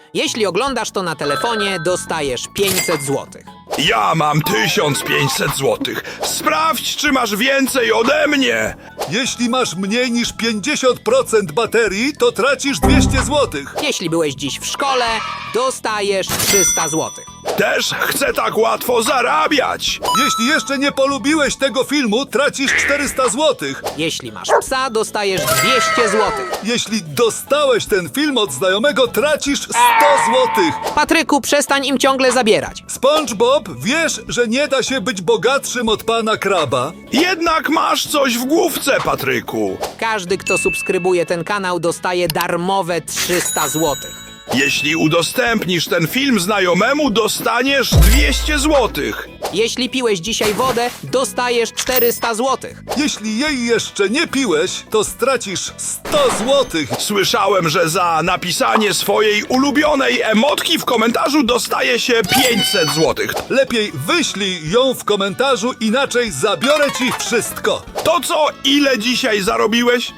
Jeśli oglądasz to na telefonie, dostajesz 500 zł. Ja mam 1500 złotych. Sprawdź, czy masz więcej ode mnie. Jeśli masz mniej niż 50% baterii, to tracisz 200 zł. Jeśli byłeś dziś w szkole, dostajesz 300 zł. Też chcę tak łatwo zarabiać. Jeśli jeszcze nie polubiłeś tego filmu, tracisz 400 zł. Jeśli masz psa, dostajesz 200 zł. Jeśli dostałeś ten film od znajomego, tracisz 100 zł. Patryku, przestań im ciągle zabierać. SpongeBob, wiesz, że nie da się być bogatszym od pana Kraba? Jednak masz coś w główce, Patryku. Każdy, kto subskrybuje ten kanał, dostaje darmowe 300 zł. Jeśli udostępnisz ten film znajomemu, dostaniesz 200 złotych. Jeśli piłeś dzisiaj wodę, dostajesz 400 zł. Jeśli jej jeszcze nie piłeś, to stracisz 100 zł. Słyszałem, że za napisanie swojej ulubionej emotki w komentarzu dostaje się 500 złotych. Lepiej wyślij ją w komentarzu, inaczej zabiorę ci wszystko. To co, ile dzisiaj zarobiłeś?